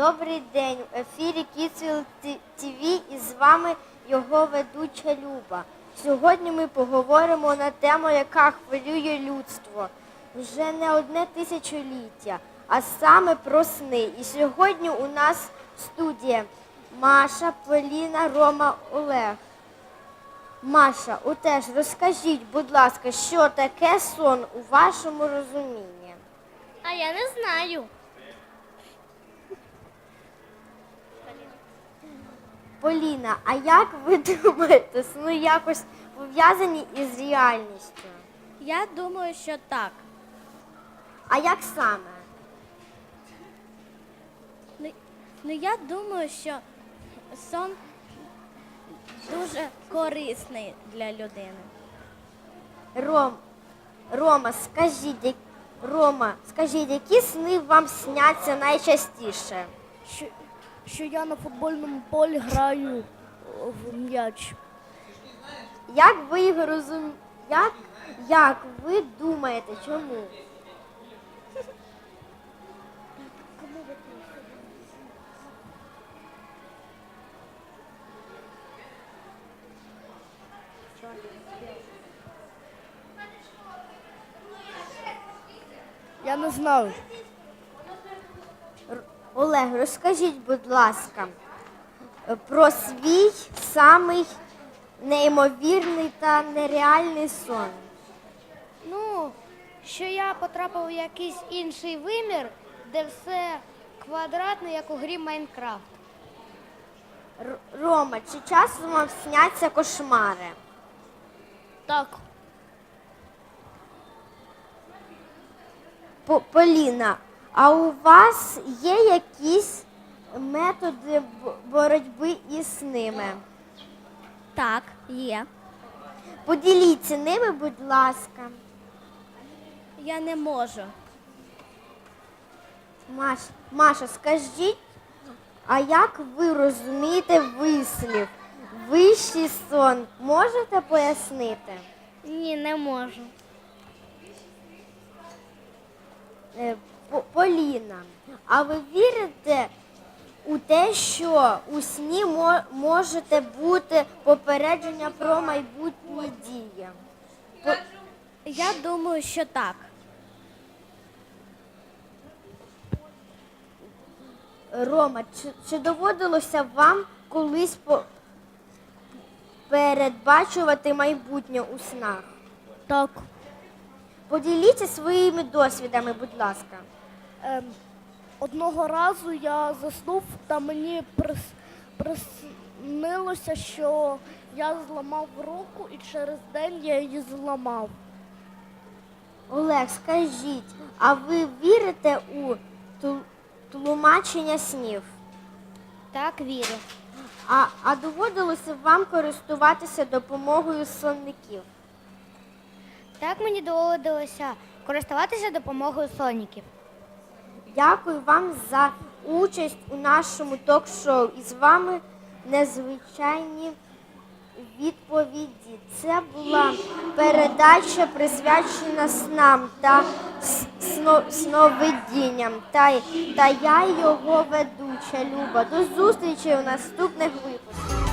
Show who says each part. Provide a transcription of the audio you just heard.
Speaker 1: Добрий день, в ефірі Kidsville TV і з вами його ведуча Люба. Сьогодні ми поговоримо на тему, яка хвилює людство вже не одне тисячоліття, а саме про сни. І сьогодні у нас в студії Маша, Поліна, Рома, Олег. Маша, отеж, розкажіть, будь ласка, що таке сон у вашому розумінні?
Speaker 2: А я не знаю.
Speaker 1: Поліна, а як ви думаєте, сни якось пов'язані із реальністю?
Speaker 2: Я думаю, що так.
Speaker 1: А як саме?
Speaker 2: Я думаю, що сон дуже корисний для людини.
Speaker 1: Рома, скажіть, які сни вам сняться найчастіше?
Speaker 3: Що я на футбольному полі граю в м'яч.
Speaker 1: Як ви його як ви думаєте, чому?
Speaker 3: Я не знаю.
Speaker 1: Олег, розкажіть, будь ласка, про свій самий неймовірний та нереальний сон.
Speaker 2: Що я потрапив в якийсь інший вимір, де все квадратне, як у грі Майнкрафт.
Speaker 1: Рома, чи часом вам сняться кошмари?
Speaker 3: Так.
Speaker 1: Поліна, а у вас є якісь методи боротьби із ними?
Speaker 2: Так, є.
Speaker 1: Поділіться ними, будь ласка.
Speaker 2: Я не можу.
Speaker 1: Маша, скажіть, а як ви розумієте вислів «вищий сон»? Можете пояснити?
Speaker 2: Ні, не можу.
Speaker 1: Поліна, а ви вірите у те, що у сні можете бути попередження про майбутні дії?
Speaker 2: Я думаю, що так.
Speaker 1: Рома, чи доводилося вам колись передбачувати майбутнє у снах?
Speaker 3: Так.
Speaker 1: Поділіться своїми досвідами, будь ласка.
Speaker 3: Одного разу я заснув, та мені приснилося, що я зламав руку і через день я її зламав.
Speaker 1: Олег, скажіть, а ви вірите у тлумачення снів?
Speaker 2: Так, вірю.
Speaker 1: А доводилося вам користуватися допомогою сонників?
Speaker 2: Так, мені доводилося користуватися допомогою сонників.
Speaker 1: Дякую вам за участь у нашому ток-шоу. І з вами незвичайні відповіді. Це була передача, присвячена снам та сновидінням. Та я його ведуча Люба. До зустрічі у наступних випусках.